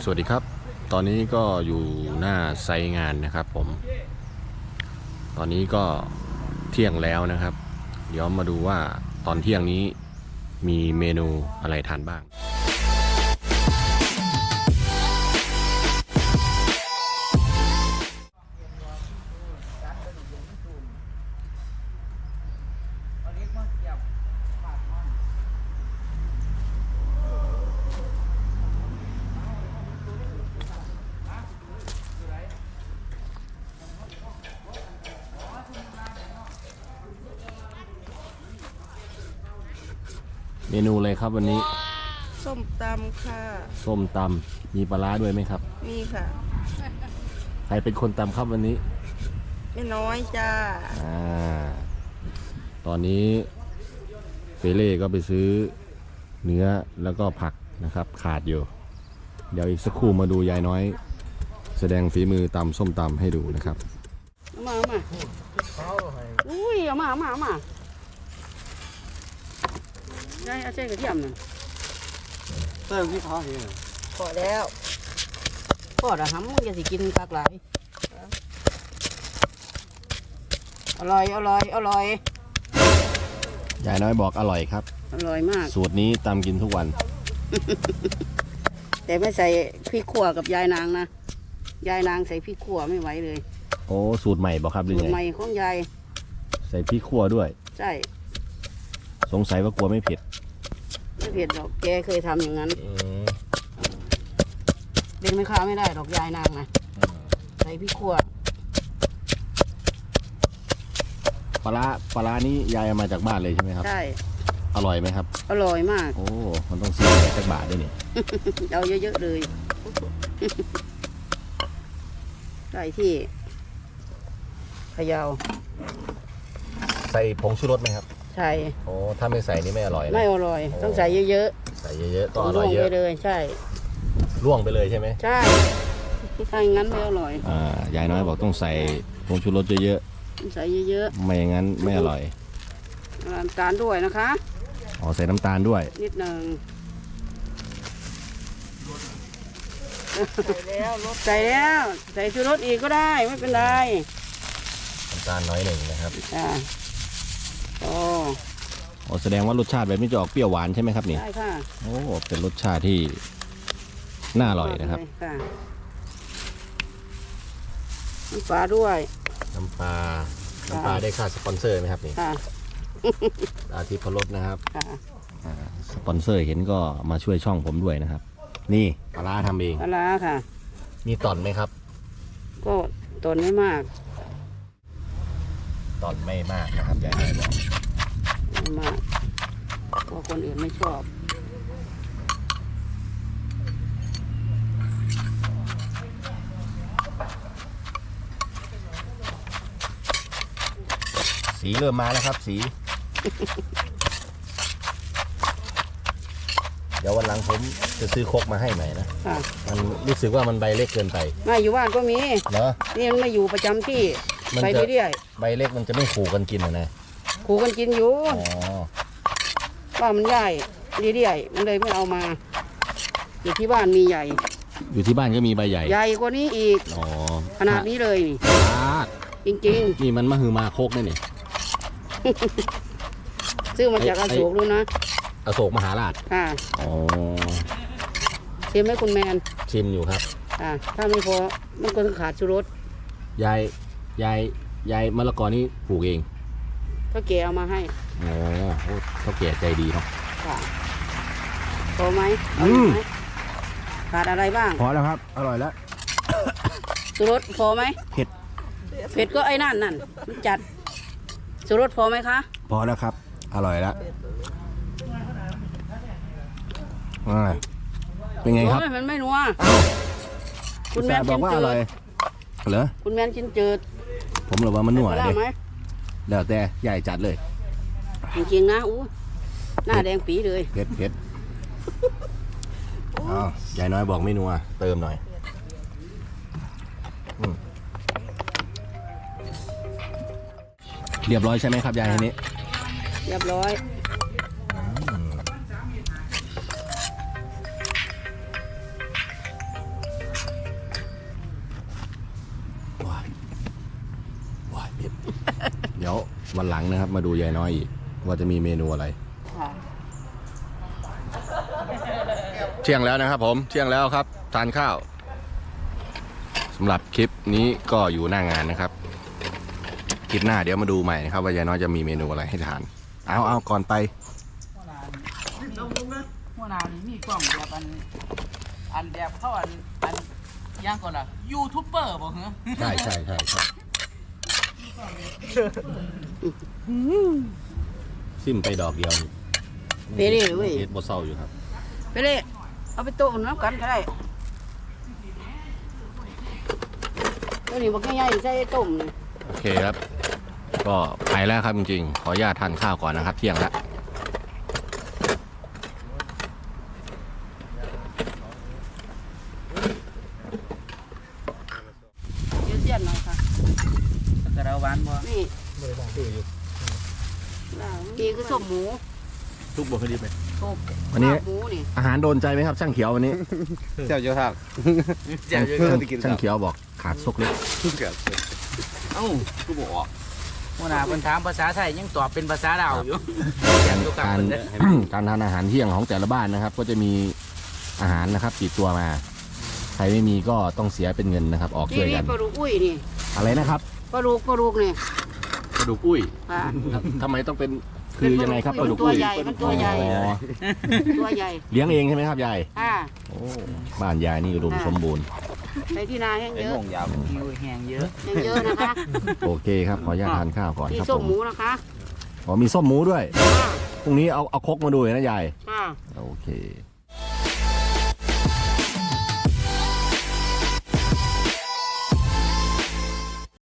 สวัสดีครับตอนนี้ก็อยู่หน้าไซต์งานนะครับผมตอนนี้ก็เที่ยงแล้วนะครับเดี๋ยวมาดูว่าตอนเที่ยงนี้มีเมนูอะไรทานบ้างเมนูอะไรครับวันนี้ส้มตำค่ะส้มตำมีปลาร้าด้วยไหมครับมีค่ะใครเป็นคนตำครับวันนี้ไม่น้อยจ้าตอนนี้เปเล่ก็ไปซื้อเนื้อแล้วก็ผักนะครับขาดอยู่เดี๋ยวอีกสักครู่มาดูยายน้อยแสดงฝีมือตำส้มตำให้ดูนะครับมาอุ้ยเอามาได้อาเช่กระเทียมหนึ่งเติมที่เขาเห็นพอแล้วพอแล้วหำมึงจะสิกินปลากไหลอร่อยยายน้อยบอกอร่อยครับอร่อยมากสูตรนี้ตำกินทุกวันแต่ไม่ใส่พริกขั่วกับยายนางนะยายนางใส่พริกขั่วไม่ไหวเลยโอ้สูตรใหม่บอกครับหรือไงสูตรใหม่ของยายใส่พริกขั่วด้วยใช่สงสัยว่ากลัวไม่เผ็ดไม่เผ็ดหรอกแกเคยทำอย่างนั้นเด็กไม่ค้าไม่ได้หรอกยายนางนะใส่พริกขั่วปลานี้ยายเอามาจากบ้านเลยใช่ไหมครับใช่อร่อยไหมครับอร่อยมากโอ้มันต้องซื้อจากบาทด้วยนี่เอาเยอะๆเลยได้ที่พะเยาใส่ผงชูรสไหมครับใช่โอ้ถ้าไม่ใส่นี่ไม่อร่อยไม่อร่อยต้องใส่เยอะๆใส่เยอะๆต้องอร่อยเยอะไปเลยใช่ล่วงไปเลยใช่ไหมใช่ถ้าอย่างนั้นไม่อร่อยยายน้อยบอกต้องใส่ผงชูรสเยอะๆใส่เยอะๆไม่อย่างนั้นไม่อร่อยน้ำตาลด้วยนะคะอ๋อใส่น้ำตาลด้วยนิดหนึ่งใส่แล้วใส่ชูรสอีกก็ได้ไม่เป็นไรน้ำตาลน้อยหนึ่งนะครับโอ้แสดงว่ารสชาติแบบนี้จะออกเปรี้ยวหวานใช่ไหมครับนี่ใช่ค่ะโอ้เป็นรสชาติที่น่าอร่อยนะครับน้ำปลาด้วยน้ำปลาได้ค่าสปอนเซอร์ไหมครับนี่อาทิตย์พลดนะครับสปอนเซอร์เห็นก็มาช่วยช่องผมด้วยนะครับนี่ปลาร้าทำเองปลาร้าค่ะมีตอนไหมครับก็ตอนไม่มากตอนไม่มากนะครับยายน้อยบอกไม่มากเพราะคนอื่นไม่ชอบสีเริ่มมาแล้วครับสีเดี๋ยววันหลังผมจะซื้อครกมาให้ใหม่นะมันรู้สึกว่ามันใบเล็กเกินไปไม่อยู่บ้านก็มีเหรอนี่มันไม่อยู่ประจำที่ไปเรื่อยๆใบเล็กมันจะไม่ขู่กันกินนะขู่กันกินอยู่ว่ามันใหญ่เรื่อยๆมันเลยไม่เอามาอยู่ที่บ้านมีใหญ่อยู่ที่บ้านก็มีใบใหญ่ใหญ่กว่านี้อีกขนาดนี้เลยนี่จริงๆนี่มันมหึมาโคกนี่นี่ซื้อมาจากอโศกรู้นะอโศกมหาราชค่ะชิมไหมคุณแมนชิมอยู่ครับถ้าไม่พอมันก็ต้องขาดชูรสยายมะละกอนี่ปลูกเองเขาแก่เอามาให้เขาแก่ใจดีเนาะพอไหมขาดอะไรบ้างพอแล้วครับอร่อยแล้วชูรสพอไหมเผ็ดก็ไอ้นั่นมันจัดชูรสพอไหมคะพอแล้วครับอร่อยแล้วเป็นไงครับมันไม่นัวคุณแม่บอกว่าอร่อยเหรอคุณแม่กินจืดผมหรือว่ามันนัวเลยเดี๋ยวแต่ใหญ่จัดเลยจริงๆนะหน้าแดงปีเลยเผ็ดใหญ่น้อยบอกไม่นัวเติมหน่อยเรียบร้อยใช่ไหมครับยายทีนี้เรียบร้อยวันหลังนะครับ มาดูยายน้อยอีกว่าจะมีเมนูอะไรค่ะเที่ยงแล้วนะครับผมเที่ยงแล้วครับทานข้าวสำหรับคลิปนี้ก็อยู่หน้างานนะครับคลิปหน้าเดี๋ยวมาดูใหม่นะครับว่ายายน้อยจะมีเมนูอะไรให้ทานเอาก่อนไปหัวหน้านี่มีกล้องแบบอันแบบเขาอันย่างก่อนล่ะยูทูบเบอร์บอกเหรอใช่ซิมไปดอกเดียวไปเลยเว้ยเฮ็ดบ่เศร้าอยู่ครับไปเลยเอาไปโต๊ะน้ำกันก็ได้ตัวนี้บอกง่ายๆใส่ต้มนี่โอเคครับ ก็ไปแล้วครับจริงๆขออนุญาตทานข้าวก่อนนะครับ เที่ยงแล้วเดี๋ยวเสียนหน่อยค่ะกระดาหวานบ่นี่นี่คือส้มหมูทุกบ่เคยดีไหมส้มวันนี้หมูนี่อาหารโดนใจไหมครับช่างเขียววันนี้เจ้าเยอะทักเจ้าเยอะช่างเขียวบอกขาดซกเล็กทุกเกิดเอ้ากูบอกหัวหน้าเพิ่นถามภาษาไทยยังตอบเป็นภาษาลาวอยู่การ การทานอาหารเที่ยงของแต่ละบ้านนะครับ ก็จะมีอาหารนะครับติดตัวมา ใครไม่มีก็ต้องเสียเป็นเงินนะครับ ออกนี่ช่วยนี่กันปลาดุกอุ้ยนี่อะไรนะครับปลาดุกนี่ปลาดุกอุ้ยค่ะทำไมต้องเป็นคือยังไงครับปลาดุกตัวอุ้ยใหญ่มันตัวใหญ่อ๋อตัวใหญ่เลี้ยงเองใช่ไหมครับยายค่ะโอ้บ้านยายนี่อุดมสมบูรณ์ในที่นาแห้งไอ้เยอะโง่ยาวหิวแห้งเยอะแห้งเยอะนะคะโอเคครับขออนุญาตทานข้าวก่อนที่ครับส้ผม มหมูนะคะอ๋อมีส้มหมูด้วยค่ะพรุ่งนี้เอาครกมาดูนะยายค่ะโอเค